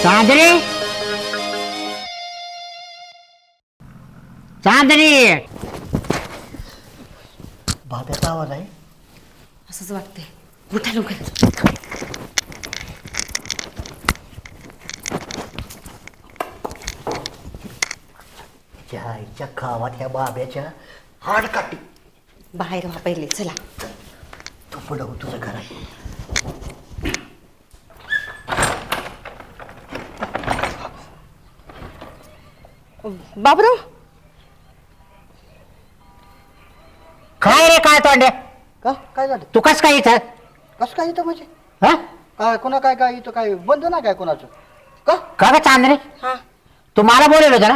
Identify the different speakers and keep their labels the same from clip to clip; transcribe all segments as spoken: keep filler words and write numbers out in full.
Speaker 1: चांदणी चांदणी
Speaker 2: बाब्याचा आवाज आहे.
Speaker 3: असंच वाटतंय. उठा लवकर.
Speaker 2: आईच्या गावात ह्या बाब्याच्या हाड काटी.
Speaker 3: बाहेर व्हा पहिले, चला.
Speaker 2: तू पुढं हो, तुझं घर आहे.
Speaker 3: बाबराव,
Speaker 1: काय रे काय तोंडे
Speaker 2: का काय झालं?
Speaker 1: तू कस काय इथं
Speaker 2: कसं काय इथं म्हणजे
Speaker 1: हा
Speaker 2: काय कोणा काय काय इथं काय बंद ना काय कोणाचं का?
Speaker 1: का ग चांदणी
Speaker 3: हा
Speaker 1: तू मला बोलवलं होतं ना?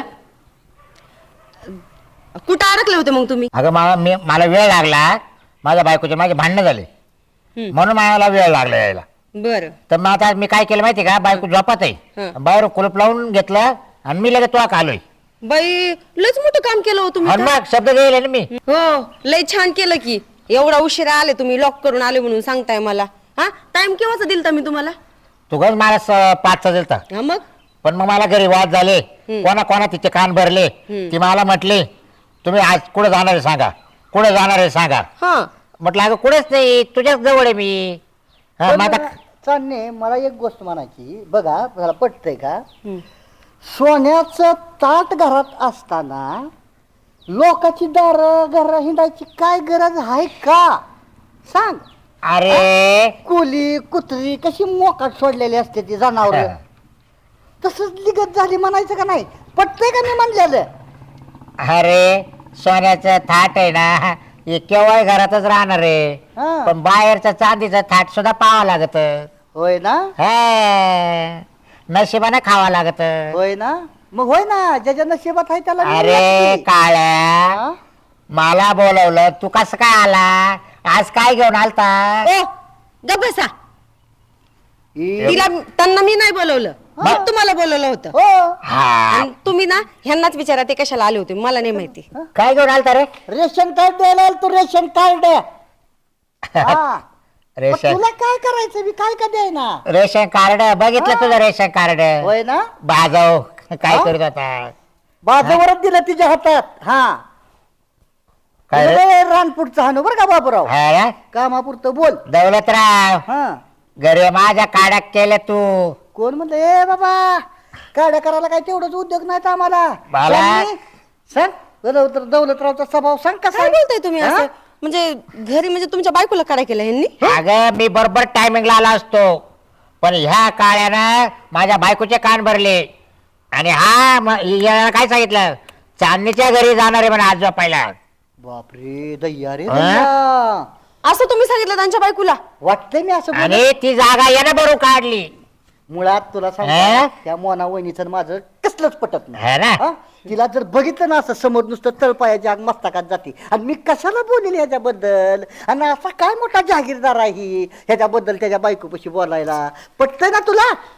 Speaker 3: कुठं अडकले होते मग तुम्ही?
Speaker 1: अगं मला मी मला वेळ लागला. माझ्या बायकोचे माझे भांडणं झाले
Speaker 3: हम्म.
Speaker 1: म्हणून मला वेळ लागला यायला.
Speaker 3: बरं.
Speaker 1: तर मग आता मी काय केलं माहिती का, बायको झोपत आहे,
Speaker 3: हं.
Speaker 1: बाहेर कुलूप लावून घेतलं आणि मी लगेच तुला आलोय.
Speaker 3: बाई, लयच मोठं काम केलं हो तुम्ही
Speaker 1: आणि
Speaker 3: तर.
Speaker 1: मग शब्द गेले ना मी.
Speaker 3: हो, लय छान केलं की. एवढा उशिरा आले तुम्ही, लॉक करून आले म्हणून सांगताय मला. हा, टाइम केव्हाचा दिलता मी तुम्हाला?
Speaker 1: तू गज मला स- पाचचा दिलता.
Speaker 3: हा मग.
Speaker 1: पण मग मला घरी वाद झाले,
Speaker 3: हम्म.
Speaker 1: कोणा कोणा तिचे कान भरले.
Speaker 3: हम्म.
Speaker 1: ती मला म्हटली तुम्ही आज कुठे जाणार आहे सांगा, कुठे जाणार आहे सांगा.
Speaker 3: हा.
Speaker 1: म्हटलं अगं कुठेच नाही, तुझ्याच जवळ आहे मी. हा, मग आता
Speaker 2: चालणे मला एक गोष्ट म्हणायची बघा, मला पटतंय का?
Speaker 3: हम्म.
Speaker 2: सोन्याचं ताट घरात असताना लोकांची दार घर हिंडायची काय गरज आहे का? सांग.
Speaker 1: अरे
Speaker 2: कोली कुत्री कशी मोकाट सोडलेली असते ती जनावर, तसंच लिगत झाली म्हणायचं का नाही? पटतंय का मी म्हणलेलं?
Speaker 1: अरे सोन्याचं थाट आहे ना, हे केव्हा घरातच राहणार आहे.
Speaker 2: हा.
Speaker 1: पण बाहेरचं चांदीचं थाट सुद्धा पाहावं लागत.
Speaker 2: होय ना?
Speaker 1: नशिबाने खावा लागत.
Speaker 2: होय ना? मग होय ना, ज्याच्या नशिबात आहे त्याला मिळू
Speaker 1: अरे
Speaker 2: लागते.
Speaker 1: काळ्या,
Speaker 2: हा?
Speaker 1: मला बोलवलं, तू कसं काय आला? आज काय घेऊन आलता?
Speaker 3: ओ, गप्प बसा.
Speaker 2: ई-
Speaker 3: तिला त्यांना मी नाही बोलवलं,
Speaker 1: हा.
Speaker 3: मग तुम्हाला बोलवलं होतं.
Speaker 2: हो.
Speaker 1: हा
Speaker 3: आणि तुम्ही ना ह्यांनाच विचारा ते कशाला आले होते, मला नाही माहिती.
Speaker 1: काय घेऊन आलता रे?
Speaker 2: रेशन कार्ड द्यायला आलो तू, रेशन कार्ड. हा. मग
Speaker 1: रेशन
Speaker 2: तुला काय करायचं, मी काय का द्यायना?
Speaker 1: रेशन कार्ड बघितलं
Speaker 2: हा.
Speaker 1: तुझं रेशन कार्ड?
Speaker 2: होय ना?
Speaker 1: बाजाव काय
Speaker 2: हा?
Speaker 1: करत होता?
Speaker 2: बाजूवरच दिलं तिच्या हातात. हा.
Speaker 1: काय रे?
Speaker 2: लय रानपुढचं हाणू बरं का बाबूराव,
Speaker 1: हा ना?
Speaker 2: कामापुरतं बोल.
Speaker 1: दौलतराव,
Speaker 2: हा.
Speaker 1: घरी माझ्या काड्या केल्या तू.
Speaker 2: कोण म्हणलं ए बाबा, काड्या करायला काय तेवढंच उद्योग नाहीत आम्हाला.
Speaker 1: बाला.
Speaker 2: सांग नी. सांग दौलत दौलतरावचा स्वभाव सांग कसा
Speaker 3: काय
Speaker 2: आहे?
Speaker 3: बोलताय तुम्ही
Speaker 2: हा?
Speaker 3: असं? म्हणजे घरी म्हणजे तुमच्या बायकोला काढा केला ह्यांनी?
Speaker 1: अगं मी बरोबर टायमिंगला आला असतो, पण ह्या काळ्यानं माझ्या बायकोचे कान भरले. आणि हा म- याला काय सांगितलं, चांदणीच्या घरी जाणार आहे म्हणा आज झोपायला.
Speaker 2: बापरे दैया रे
Speaker 1: हा?
Speaker 2: दैया.
Speaker 3: असं तुम्ही सांगितलं त्यांच्या बायकोला?
Speaker 2: वाटतंय मी असं बोलत.
Speaker 1: आणि ती जागा यानं भरून काढली.
Speaker 2: मुळात तुला
Speaker 1: हा?
Speaker 2: सांग, त्या मोना वहिनीचं माझं कसलंच पटत नाही.
Speaker 1: है ना?
Speaker 2: हा? तिला जर बघितलं ना असं समोर नुसतं तळपायाच्या आग मस्तकात जाते. आणि मी कशाला बोलेल ह्याच्याबद्दल, आणि असा काय मोठा जहागीरदार आहे ही ह्याच्याबद्दल त्याच्या बायकोपाशी बोलायला? पटतंय ना तुला?